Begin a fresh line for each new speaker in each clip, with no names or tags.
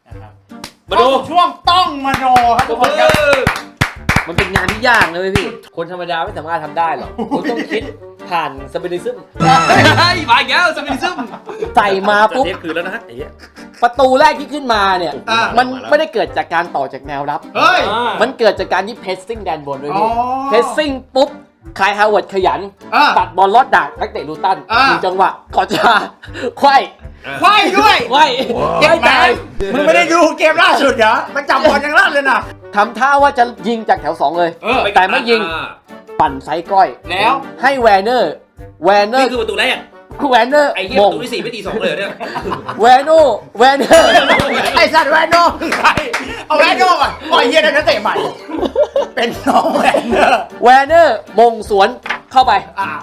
มาดู
ช่วงต้องมโนครับทุกคนครับ
มันเป็นงานที่ยากนะพี่คนธรรมดาไม่สามารถทำได้หรอกคุณต้องคิดผ่านสเปนิซึม
เฮ้ยมาอีกแล้วสมิธซึม
ใส่มาปุ๊บ
เทปคืนแล้วนะไอ้เหี้ย
ประตูแรกที่ขึ้นมาเนี่ยมันไม่ได้เกิดจากการต่อจากแนวรับ
เฮ้ย
มันเกิดจากการที่เพสซิ่งแดนบนด้วย
อ๋อ
พี่เพสซิ่งปุ๊บคายฮาวเวิร์ดขยัน ตัดบอลลอดดักนักเตะลูตันมีจังหวะก่อนจะไขว้
ไขว้ด้วย
ไขว้
เก็บแมนมึงไม่ได้ดูเกมล่าสุดเหรอมันจับบอลยังลั่นเลยนะ
ทำท่าว่าจะยิงจากแถว2เลยแต่ไม่ยิงปั่นไซส์ก้อย
แล้ว
ให้แวร์เนอร์
นี่คือประตูแรก
แวนเนอร์
ไอ้เหี้ยประตูที่4ไม่ตี2เลยเนี่ย
แวนเนอร์
ไอสัตว์แวนโน่ใครเอาแวนโน่ก่อนปล่อยเฮียได้นักเตะใหม่เป็นน้องแวนเนอร์
แวนเนอร์มงสวนเข้าไป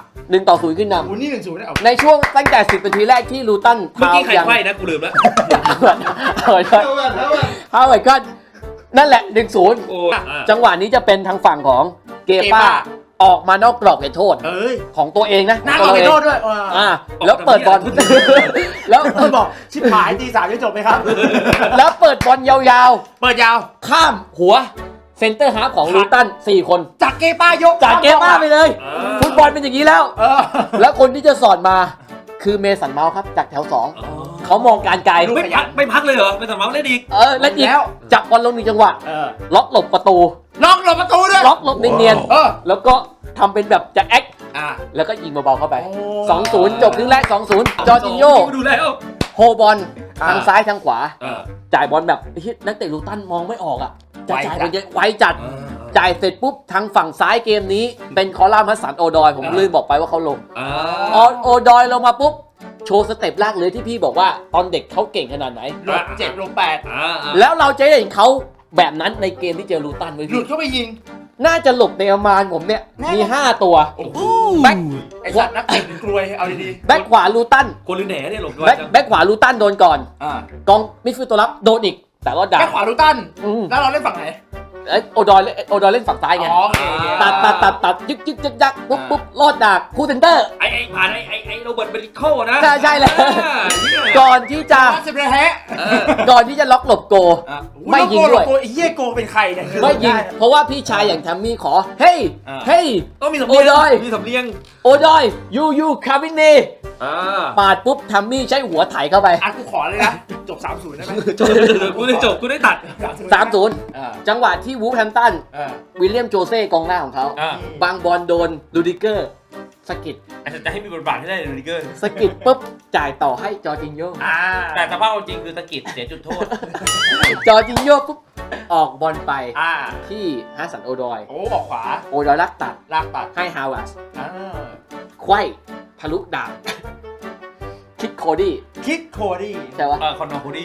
1-0 ขึ้นน
อู้นี่1-0ได้เอา
ำในช่วงตั้งแต่10 นาทีแรกที่ลูตัน
เมื่อกี้ใครไขว้นะกูลืมแล้ว
ฮาวเวิร์ดก็นั่นแหละ 1-0
โอ้
จังหวะนี้จะเป็นทางฝั่งของเกป้าออกมานอกกรอบเขตโทษ
เอ้ย
ของตัวเองนะ
หน้าขอไปโทษด้วย
แล้วเปิดบอลแล้ว
บอกชิบหายตี3จะจบไหมครับ
แล้วเปิดบอลยาว
เปิดยาว
ๆ ข้ามหัวเซนเตอร์ฮาล์ฟของลูตัน4 คน
จากเกป้ายก
จากเกป้าไปเลย ฟุตบอลเป็นอย่างนี้แล้ว แล้วคนที่จะสอนมาคือเมสันเมาส์ครับจากแถว 2เขามองการไกล
ไม่พักเลยเหรอไม่สามารถเล่นอีก
แล้วอีกจับบอลลง1 จังหวะล็อกหลบประตู
ล็อกหลบประตูด้วย
ล็อกหลบเนียนๆแล้วก็ทำเป็นแบบจะแอค แล้วก็ยิงเบาๆเข้าไป 2-0 จบครึ่งแรก 2-0 จอร์จิโญ่
ดูแล้ว
โฮบอลทางซ้ายทางขวา จ่ายบอลแบบนักเตะลูตันมองไม่ออกอ่ะจะจ่ายบอลไวจัด จ่ายเสร็จปุ๊บทางฝั่งซ้ายเกมนี้เป็นคอลัมน์ฮัสสันโอดอยผมลืมบอกไปว่าเขาลงโอดอยลงมาปุ๊บโชว์สเต็ปแรกเลยที่พี่บอกว่าตอนเด็กเขาเก่งขนาดไหน
หลบ7 หลบ 8
แล้วเราจะเห็นเขาแบบนั้นในเกมที่เจอลูตันไว้
หลุ
พี่
ดเข้าไปยิง
น่าจะหลบในประมาณผมเนี่ยมี5 ตัว แบ็ค
ไอ้สัตว์นักเตะกลวยเอาดี
แบ็คขวาลูตัน
คนหรือแหน่เนี่ยหลบด้วย
แบ็คขวาลูตันโดนก่อน
ๆ
กองมิดฟิลด์ตัวรับโดนอีกแต่รอดดัก
แบ็คขวาลูตันแล้วเราเล่นฝั่งไหน
โอดอยเล่นฝั่งซ้ายไง
โอเค
ตัดยึกยักปุ๊บรอดดักคู่เซนเตอร์
ไอ้ผ่านไอ้โรเบิร์ตเบริโคนะ
ใช่เลยก่อนที่จะ
สิบเลยแฮะ
ก่อนที่จะล็อกหลบโก ไม่ยิงด้วย
ไอ้เหี้ยโกเป็นใครเนี่ย
ไม่ยิงเพราะว่าพี่ชายอย่างแทมมี่ขอเฮ้ย
ต้องมีสำเนียงมีสำเนียง
โอดอยยูคาวินเน่ปาดปุ๊บแทมมี่ใช้หัวไถเข้าไป
กูขอเลยนะ จบ 3-0 ได้ไหม
กูได้ตัด
3-0 จังหวะที่วูฟแฮมตันวิลเลียมโจเซ่กองหน้าของเขาบางบอลโดนลูดิเกอร์สกิด
จะให้มีบทบาทให้ได้เลยดิเกอร์
สกิดปุ๊บจ่ายต่อให้จอร์จินโญ่
แต่สภาพจริงคือตะกิดเสียจุดโทษ
จอร์จินโญ่ปุ๊บออกบอลไป
อ่า
ที่ฮัสสันโอดอย
โอ้ออกขวา
โอดอยลักตัด
ลากปัด
ให้ฮาวเวิร์ด
อ่า
ไขว้ทะลุดาบคิดโคดี้
คิดโคดี้
ใช่ปะ
คอนโดคูดี้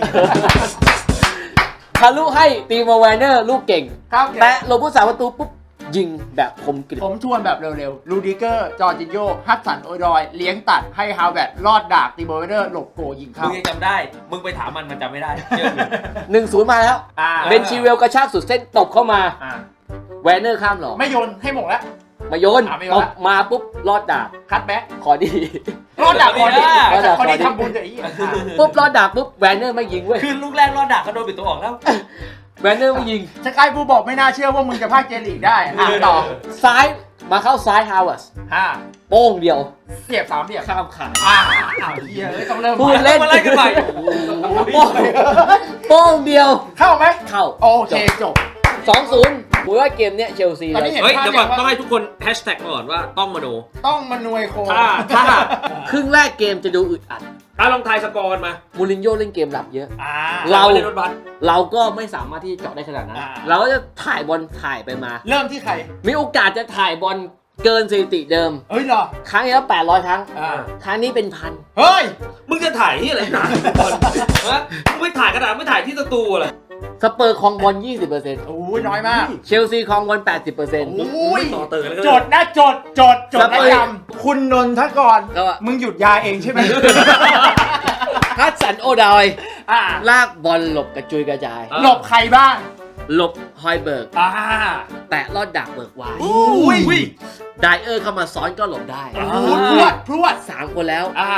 ทะลุให้ตีโมแวนเนอร์ลูกเก่ง
ครับ
แต่โลบุสาประตูปุ๊บ ยิงแบบคมกริบ
ผมทวนแบบเร็วๆ ลูดิเกอร์ จอร์จินโญ่ ฮัตสันโอดอย เลี้ยงตัด ให้ฮาวเวิร์ดรอดดากตีโบเวเดอร์ หลบโกยิง
มึ
เข้าง
ยังจำได้ มึงไปถามมันจำไม่ได้เชื่อ
1-0 มาแล้ว เบนชีเวลกระชากสุดเส้นตบเข้ามา แวนเนอร์ข้ามหรอ
ไม่โยนให้หมงแล้ว
มาโยน
ไม่โย
ต
น
บมาปุ๊บ รอดดาบ
คัดแบ็ค
ขอดี
รอดดากก่อนดิ
รอดดาก
คนนี้ทำบุญกับไอ้เหี้ย
ปุ๊บ รอดดาบปุ๊บ แวนเนอร์ไม่ยิงเว้ย
คือลูกแรกรอดดักเขาโดนปิดตัวออกแล้ว
แวนเนอร์ไม่ยิง
สกายบูบอกไม่น่าเชื่อว่ามึงจะพากเจลีกได้ต่อ
ซ้ายมาเข้าซ้ายฮาวเวิร์ดโป้งเดียว
เสียบ3เสียบ
ข้ามขา
เหี้ยต้องเริ่ม
พูดเล่น
มาไล่กันใหม่
โป้งเดียว
เข้าไหม
เข้า
โอเคจบ
2-0ผมว่าเกมเนี้ยเชลซี
ตอนนี้
เลย
เฮ้ยเดี๋ยวก่อนต้องให้ทุกคนแฮชแท็กก่อนว่าต้องมโน
ต้องมานวยโค
ถ้า
ครึ่งแรกเกมจะดูอึดอัด
ลองทายสกอร์กันมา
มูรินโญ่เล่นเกมหลับเยอะ
เรา
เรา
เล่นรถบัส
เราก็ไม่สามารถที่จะเจาะได้ขนาดนั้น เราก็จะถ่ายบอลถ่ายไปมา
เริ่มที่ใคร
มีโอกาสจะถ่ายบอลเกินสถิติเดิม
เฮ้ยเหรอ
ครั้งที่แล้ว800 ครั้ง
อ่า
ครั้งนี้เป็นพัน
เฮ้ย
มึงจะถ่ายที่อะไรนะฮะมึงไม่ถ่ายกระดาษไม่ถ่ายที่สตูเหรอ
สเปอร์ครองบอล 20%
โอ้ยน้อยมาก
เชลซีครองบอล 80%
โอ้ย
ต่อเติร์แล้ว
จดนะจดนะจำคุณนนทกร
ก็ว่า
มึงหยุดยาเองใช่ไหม
ฮัสสันโอดอย
อ่า
ลากบอลหลบกระจุยกระจาย
หลบใครบ้าง
หลบฮอยเบิร์ก
อ่า
แตะลอดดักเบิร์กไว
อุ้ย
ไดเออร์เข้ามาซ้อนก็หลบได้
พรวด
3 คนแล้ว
อ่า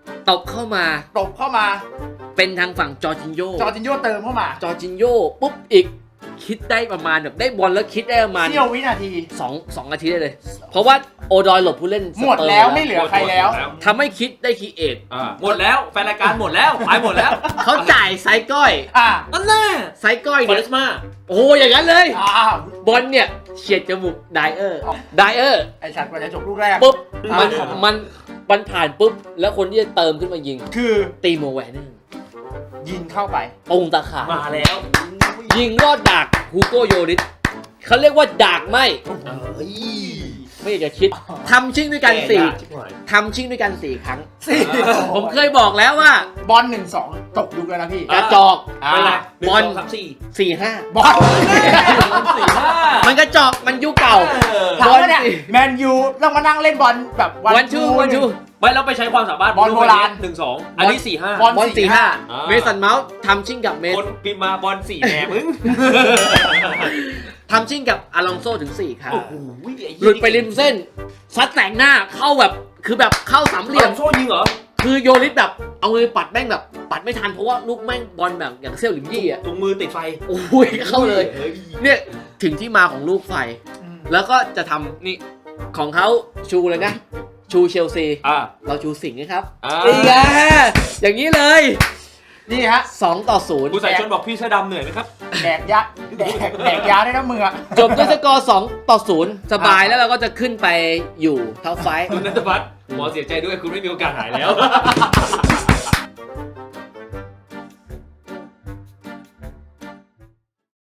ตบเข้ามา เป็นทางฝั่งจอร์จินโญ่
เติมเข้ามา
จอร์จินโญ่ปุ๊บอีกคิดได้ประมาณแบบได้บอลแล้วคิดได้ประมาณ
เสี้ยววินาที
สองนาทีได้เลย เพราะว่าโอดอยหลบผู้เล่น
หมดแล้วไม่เหลือใครแล้ว
ทำให้คิดได้คีเอท
หมดแล้วแฟนรายการหมดแล้วไปหมดแล้ว
เขาจ่ายไซก้อย
นั่นแหละ
ไซก้อย
ฟอ
เนี่
เร
ย
สมา
โอ้อย่างนั้นเลย บอลเนี่ยเฉียดจมูกไดเออร์
ไอ้ฉันกว่าจะจบลูกแรก
ปุ๊บมันผ่านปุ๊บแล้วคนที่จะเติมขึ้นมายิง
คือ
ตีโมแวนเนอร์
ยิงเข้าไป
ตรงตาข่าย
มาแล้ว
ยิงรอดดากฮูโกโยริสเขาเรียกว่าดากไหมไม่อยากจะคิดทำชิ่งด้วยกัน4ครั้ง ผมเคยบอกแล้วว่า
บอล 1-2 ตกยุคแล้วนะพี่
กระจอก
ไปไหน
บอล
1 2 3 4
4-5
บอล
4 5
มันกระจอกมันยุคเก่า
ถามว่าเนี่ยแมนยูต้องมานั่งเล่นบอลแบบ
วันชู
ไม่เราไปใช้ความสามารถ
บอลโบราณ
1 2 อันนี้ 4 5
บอล
บอล
4-5
4-5 เมสันเมาส์ทำชิ่งกับเมส
คนพิมพ์มาบอล4แหนมึง
ทำชิ่งกับอลองโซถึง4ครั้ง
โอ้โห
หลุดไปริมเส้นซัดแต่งหน้าเข้าแบบคือแบบเข้าสามเหลี่ยม
โซ่ยิงเหรอ
คือโยริสแบบเอามือปัดแม่งแบบปัดไม่ทันเพราะว่าลูกแม่งบอลแบบอย่างเซี่ยวหลิมยี่อ่ะ
ตรงมือติดไฟ
โอ้ยเข้าเลย เนี่ยถึงที่มาของลูกไฟ แล้วก็จะทำนี่ของเขาชูเลยนะ ชูเชลซี เราชูสิงห์นะครับนี่ไงอย่างนี้เลย
นี่ฮะ
2-0
ผู้ใส่ชนบอกพี่เสื้อดำเหนื่อยไหมครับ
แดกยาได้นะมือ
จบด้วยสกอร์2-0 สบายแล้วเราก็จะขึ้นไปอยู่ท็อปไฟว์
คุณนัทพัฒน์หมอเสียใจด้วยคุณไม่มีโอกาสหายแล้ว